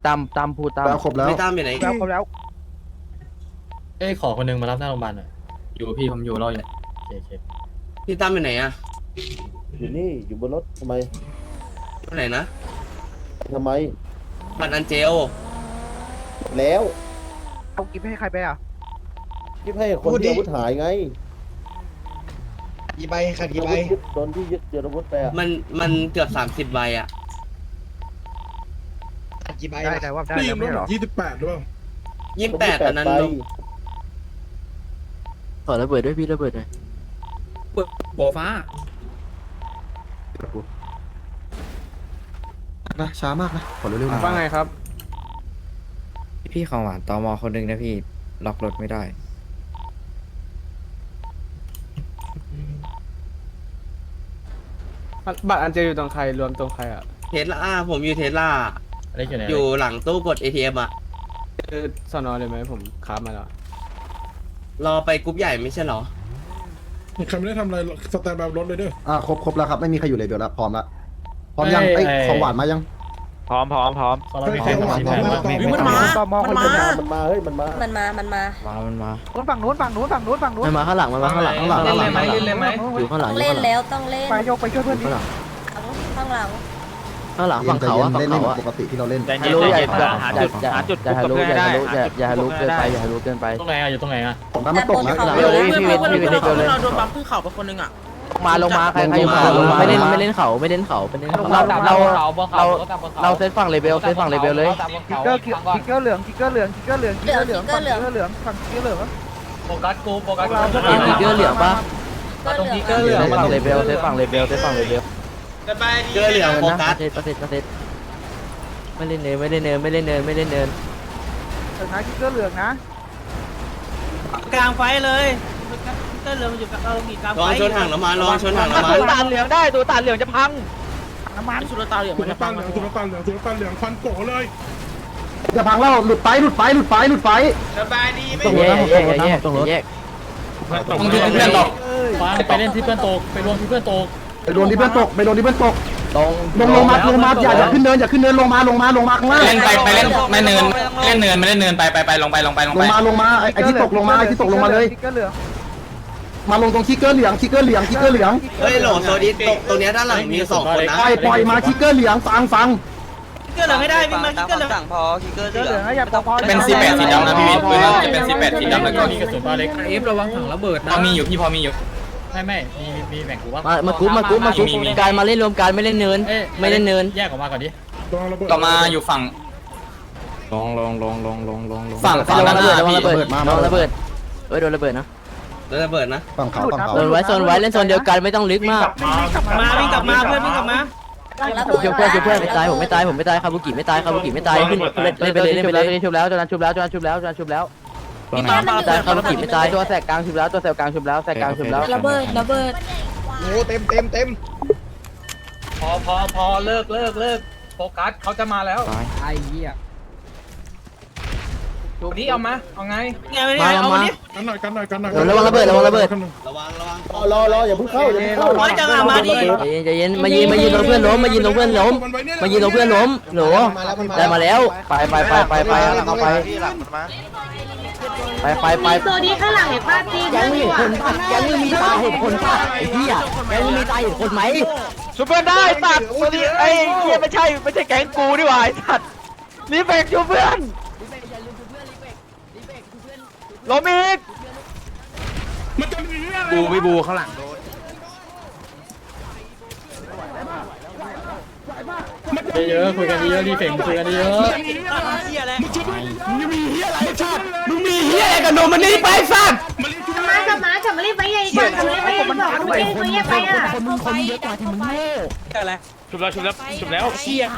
ตามพูดตามแล้วครบแล้วไม่ตามอยู่ไหนแล้วเขาแล้วเอ้ยขอคนนึงมารับหน้าโรงพยาบาลหน่อยอยู่พี่ผมอยู่รออยู่โอเคพี่ตามอยู่ไหนอะอยู่นี่อยู่บนรถทำไมอยู่ไหนนะทำไมบัตรอันเจลแล้วเอากิฟให้ใครไปอ่ะที่ให้คนที่อาวุธหายไงกี่ใบขาดกี่ใบโดนที่ยึดเจออาวุธไปอ่ะมันเกือบ30ใบอะขาดกี่ใบได้แต่ว่าได้แล้วไม่ใช่เหรอ 28หรือเปล่า 28อันนั้นใบลงขอระเบิดด้วยพี่ระเบิดหน่อยโบฟ้านะช้ามากนะขอเร็วๆหน่อยว่าไงครับพี่ของหวานตมคนหนึ่งนะพี่ล็อกรถไม่ได้บัตรอันเจอยู่ตรงใครรวมตรงใครอ่ะเทสลาผมอยู่เทสลาอะไรอยู่ไหนอยู่หลังตู้กด ATM อะคือสอนอเลยไหมผมค้ามาแล้วรอไปกรุ๊ปใหญ่ไม่ใช่เหรอใครไม่ได้ทำอะไรสแตนบายรถเลยเด้อครบแล้วครับไม่มีใครอยู่เลยเดี๋ยวแล้วพร้อมละพร้อมยังไอ้ของหวานมายังพร้อมของเรามีใครมาชี้แผนบ้างมันมาตมคนเดียวมันมาเฮ้ยมันมามันมามันมาฝั่งนู้นฝั่งนู้นฝั่งนู้นฝั่งนู้นมันมาข้างหลังมันมาข้างหลังเล่นเลยไหมเล่นเลยไหมอยู่ข้างหลังต้องเล่นแล้วต้องเล่นไปโยกไปช่วยเพื่อนดิข้างหลังข้างหลังฝั่งเขาอะฝั่งเล่นเขาเหมืออะนปกติที่เราเล่นฮารุอย่าหาจุดฮารุอย่าฮารุเกินไปอย่าฮารุเกินไปตรงไหนอ่ะอยู่ตรงไหนอ่ะของน้ำมันตกนะเร็วเลยพี่เวทพี่เวทเร็วเลยเราโดนบัมขึ้นเข่าไปคนนึงอ่ะลงมาใครอยู่มาลงมาไม่เล่นไม่เล่นเขาไม่เล่นเขาเป็นเล่นเราเซตฝั่งเลเวลเซตฝั่งเลเวลเลยทิกเกอร์ทิกเกอร์เหลืองทิกเกอร์เหลืองทิกเกอร์เหลืองทิกเกอร์เหลืองฝั่งทิกเกอร์เหลืองฝั่งทิกเกอร์เหลืองโฟกัสกูโฟกัสทิกเกอร์เหลืองปะก็เหลืองเซตฝั่งเลเวลเซตฝั่งเลเวลเซตฝั่งเลเวลเกลือเหลืองโฟกัสเซตไม่เล่นเนินไม่เล่นเนินไม่เล่นเนินไม่เล่นเนินเออนะทิกเกอร์เหลืองนะกลางไฟเลยก็เรือมันอยู่กับมีกลางลองชนถังน้ำมันลองชนถังน้ำมันตัวตาเหลืองได้ตัวตาเหลืองจะพังน้ำมันสุดตาเหลืองสุมันลจะต่านเหลืองสุลต่านเหลืองสุลต่านเหลืองฟันโกเลยจะพังแล้วหลุดไฟสบายดีไม่แยกแยกต้องที่เพื่อนตกฟังไปเล่นที่เพื่อนตกไปรวมที่เพื่อนตกไปโดนที่เพื่อนตกตรงลงมาอย่าขึ้นเนินลงมาข้างล่างเล่นไปเล่นไม่เนินเล่นเนินไม่เล่นเนินไปลงไปลงมาไอ้ที่ตกลงมาเลยทิกเกอร์เหลืองมาลงตรงคิกเกอร์เหลืองเฮ้ยโหลโซดิสตกตรงเนี้ยด้านหลังมี2คนนะปล่อยมาคิกเกอร์เหลืองฟังก็เหลืองไม่ได้วิ่งมาก็เหลืองทิกเกอร์เหลืองนะอย่าพอเป็นสีแปดสีดำนะพี่วิทย์ปืนจะเป็นสีแปดสีดำแล้วก็มีกระสุนบ้าเล็กเอฟระวังถังระเบิดพอมีอยู่พี่พอมีอยู่ไม่มีแบ่งกูว่ามาคุบการมาเล่นรวมกันไม่เล่นเนินไม่เล่นเนินแยกออกมาก่อนดิต่อมาอยู่ฝั่งลงฝั่งระวังระเบิดระวังพี่ระเบิดระวังระเบิดโดนระเบิดนะแล้วระเบิดนะฝั่งเขาโซนไว้เล่นโซนเดียวกันไม่ต้องลึกมากมาวิ่งกลับมาเพื่อนวิ่งกลับมาช่วยเพื่อนไม่ตายผมไม่ตายคาบุกิไม่ตายขึ้นเล่นไปเลยชุบแล้วจนชุบแล้วตายคาบุกิไม่ตายตัวแสกกลางชุบแล้วระเบิดโอ้เต็มพอเลิกโฟกัสเขาจะมาแล้วไอ้เหี้ยดูนี้เอาไงมากันหน่อยระวังระเบิดระวังรออย่าเพิ่งเข้าใจเย็นมายิงตรงเพื่อนล้มมายิงตรงเพื่อนล้มหนูได้มาแล้วไปตัวนี้ข้างหลังเห็นป้าตีแกงมีคนป่ะแกงมีตาเห็นคนป่ะไอ้เหี้ยแกงมีตาเห็นคนไหมชุบเพื่อนได้ตัดตัวนี้ไอ้เหี้ยไม่ใช่แก๊งกูนี่หว่าไอ้สัตว์รีเฟกชุบเพื่อนล้มอีกมันจะมีอะไรบูข้างหลังเยอะคุยกันเยอะรีเฟกคุยกันเยอะมึงมีเฮียอะไรกับนมมันนี่ไปสัตว์กลับมารีบไปใหญ่ก่อนรีบไปใหญ่ก่อนไม่ได้ตัวแยกไปอ่ะคนเยอะกว่าที่มึงโง่อะไรชุบแล้วเชี่ย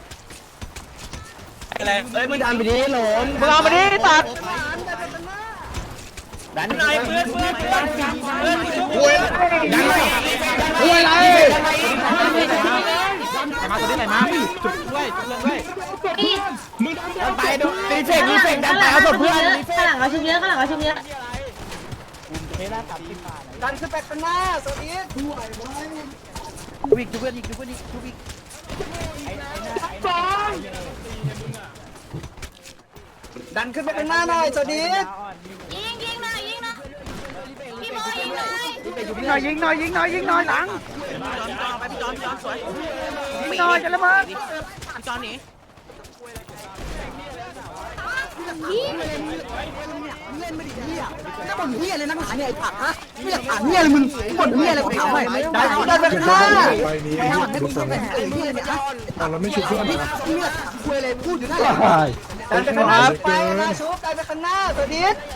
อะไรเอ้ยมึงดันไปดิหลนมึงเอามาดิตัดดันหน่อยเพื่อนโวยดันหน่อยโวยอะไรมาตัวนี้ไหนมาจุดด้วยไปดูรีเฟกดันไปเอาตัวเพื่อนข้างหลังเราชุบเยอะดันขึ้นไปข้างหน้าตัวนี้วิ่งเพื่อนอีกดันขึ้นไปข้างหน้าหน่อยโซดิสยิงหน่อยพี่โมยิงหน่อยยิงหน่อยหลังไปพี่จอนสวยยิงหน่อยจะละมั้งพี่จอนหนีน้าบ่นเฮียเลยนักหนาเนี่ยไอ้ผักฮะไม่อยากถามเฮียเลยมึงบ่นเฮียอะไรกูถามหน่อยดันไปข้างหน้าไปนี้ให้กูฟังเฮียเนี่ยนะเราไม่ชุบเพื่อนนะเฮียคุยอะไรพูดอยู่นั่นแหละดันไปข้างหน้าไปนะชุบดันไปข้างหน้าโซดิส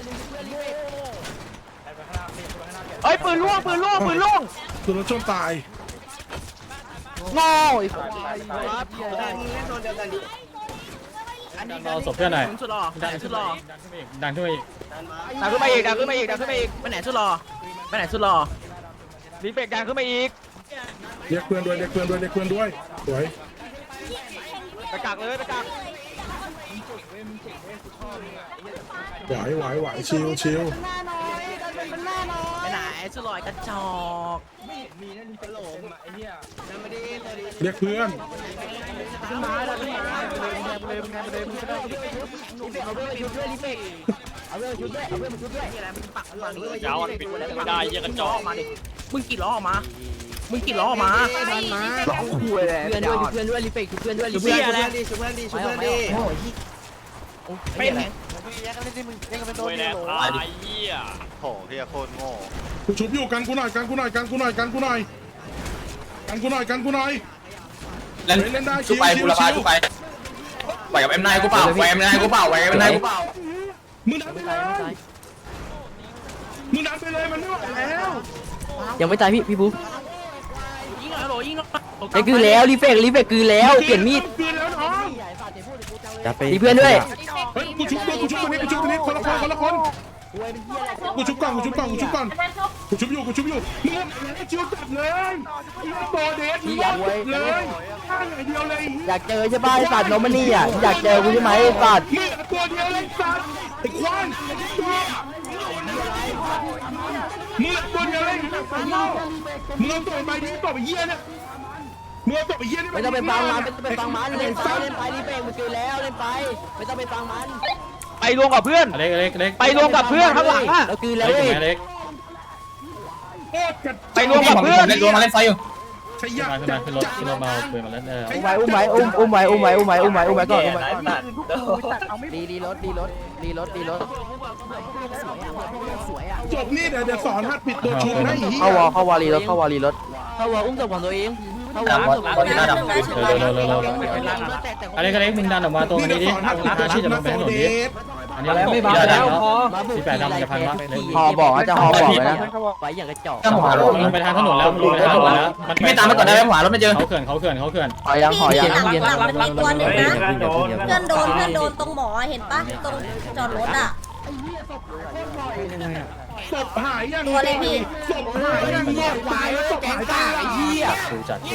เอ้ยปืนล่วงตัวรถชนตายโง่อีกเราศพเพื่อนหน่อยสุดหล่อดันสุดหล่อดันขึ้นไปอีกดันขึ้นมาอีกไปไหนสุดหล่อรีเฟกดันขึ้นมาอีกเรียกเพื่อนด้วยสวยไปกักเลยไปกักไหวชิวไปไหนสุดหล่อกระจอกเรียกเพื่อนยาวปิดไม่ได้เยอะกระจอกมาดิมึงกี่ล้อออกมาร้องคุยเลยเพื่อนด้วยรีเฟกเพื่อนด้วยชุบเพื่อนดิชุบเพื่อนดิเป็นกูชุบอยู่กันกูหน่อยเล่นได้ชิวไปไหวกับเอ็มนายกูเปล่าไหวกับเอ็มนายกูเปล่ามึงดันไปเลยมันไม่ไหวแล้วยังไม่ตายพี่บุ๊คยิงหน่อยยิงหน่อยไอ้คือแล้วรีเฟกคือแล้วเปลี่ยนมีดเปลี่ยนแล้วน้องจะไปมีเพื่อนด้วยเฮ้ยกูชุบตัวนี้คนละคนกูชุบก่อนกูชุบอยู่มึงชิวจัดเลยโตเดสมึงเลยข้างอย่างเดียวเลยอยากเจอใช่ป่ะไอ้สัตว์โนมันนี่อ่ะอยากเจอกูใช่ไหมไอ้สัตว์มึงตัวเดียวเลยสัตว์ไอ้ควายมึงตัวเดียวเลยมึงเอาตัวไปดิตัวไปเยี่ยเนี่ยมึงเอาตัวไปเยี่ยนี่ไม่ต้องไปฟังมันเล่นไปรีเฟกมันคือแล้วเล่นไปไม่ต้องไปฟังมันไปรวมกับเพื่อนเล็กไปรวมกับเพื่อนข้างหลังอ่ะเราคือแล้วเล็กเว้ยเล็กไปรวมกับเพื่อนรวมมาเล่นไฟอยู่ใช่ยากขึ้นรถมาเปิดมาแล้วอุ้มไว้ก่อนอุ้มไว้ก่อนรีรถสวยอ่ะจบนี่เดี๋ยวสอนฮัดปิดตัวชุบนะอีเข้าวอรีรถเข้าวออุ้มศพของตัวเองเข้าวออุ้มศพของตัวเองอะไรก็เล็กมึงดันออกมาตรงนี้ดิทาชีจะลงไปถนนดิอันนี้ไม่บ้าแล้วที่แปดดำจะพันบ้าฮอบอกจะฮอบอกเลยนะไปอย่างกระจอกลงไปทางถนนแล้วลงไปทางถนนแล้วมันไม่ตามมาก่อนได้ไหมขวารถไม่เจอเขาเขื่อนหอยังหลังมันมีตัวหนึ่งนะเพื่อนโดนตรงหมอเห็นปะตรงจอดรถอ่ะศพหายยังตัวเลยพี่ศพหายยังเนี่ยหายแล้วศพหายได้ไอ้เหี้ยดูจัด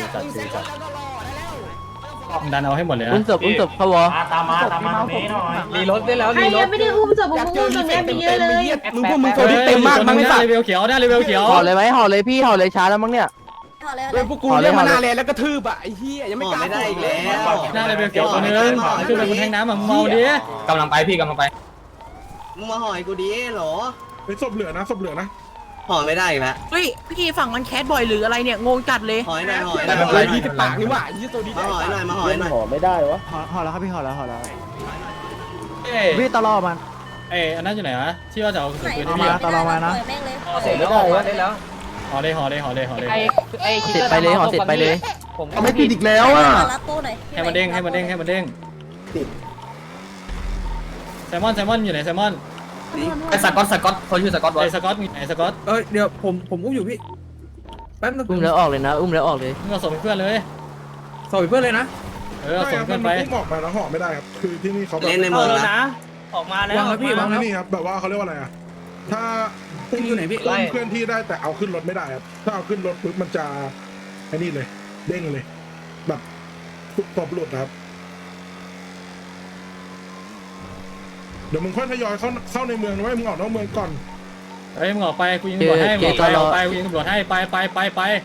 ดันเอาให้หมดเลยนะอุ้มศพเข้าวอตามมาตรงนี้หน่อยรีรถได้แล้วใครยังไม่ได้อุ้มศพมึงอุ้มตรงนี้ไปเยอะเลยมึงพวกมึงตัวนี้เต็มมากมั้งไม่สัตว์เลเวลเขียวได้เลเวลเขียวห่อเลยไหมห่อเลยพี่ห่อเลยช้าแล้วมั้งเนี่ยเอาเลยพวกกูเรียกมานานแล้วกระทืบอ่ะไอ้เหี้ยยังไม่กล้าไม่ได้อีกแล้วหน้าเลเวลเขียวตัวนึงขึ้นไปบนแทงน้ำแบบเมาดิกำลังไปมึงมาห่อยกูดิเหรอไปศพเหลือนะห่อไม่ได้อีกแล้วเฮ้ยพี่ฝั่งมันแคสบ่อยหรืออะไรเนี่ยงงจัดเลยห่อยหน่อยแต่แบบไรที่ปากนี่หว่ายี่ตัวนี้มาห่อยหน่อยห่อแล้วครับพี่ห่อแล้วพี่ตลอดมันอันนั้นอยู่ไหนวะที่ว่าจะเอาสุดปืนที่แม่งเลยเสร็จไม่ได้วะห่อเลยเสร็จไปเลยห่อเสร็จไปเลยเอาไม่ติดอีกแล้วอ่ะรับตู้หน่อยให้มันเด้งแซมมอนอยู่ไหนแซมมอนไอ้สกอตเขาชื่อสกอตไอ้สกอตมีไหนสกอตเดี๋ยวผมอุ้มอยู่พี่แป๊บนึงอุ้มแล้วออกเลยนะอุ้มแล้วออกเลยมึงเอาส่งเพื่อนเลยสอบเพื่อนเลยนะเอาส่งเพื่อนไปมันบอกไปแล้วห่อไม่ได้ครับ คือที่นี่เขาแบบเล่นในเมืองนะออกมาแล้ววางแล้วพี่วางแล้วนี่ครับแบบว่าเขาเรียกว่าอะไรอ่ะ ถ้าอยู่ไหนพี่อุ้มเคลื่อนที่ได้แต่เอาขึ้นรถไม่ได้ครับ ถ้าเอาขึ้นรถปุ๊บมันจะไอ้นี่เลย เด้งเลย แบบตบหลุดนะครับ เดี๋ยวมึงค่อยทยอยเข้าในเมืองนะเว้ยมึงออกนอกเมืองก่อนเฮ้ยมึงออกไปกูยิงตำรวจให้มึงออกไปกูยิงตำรวจให้ไป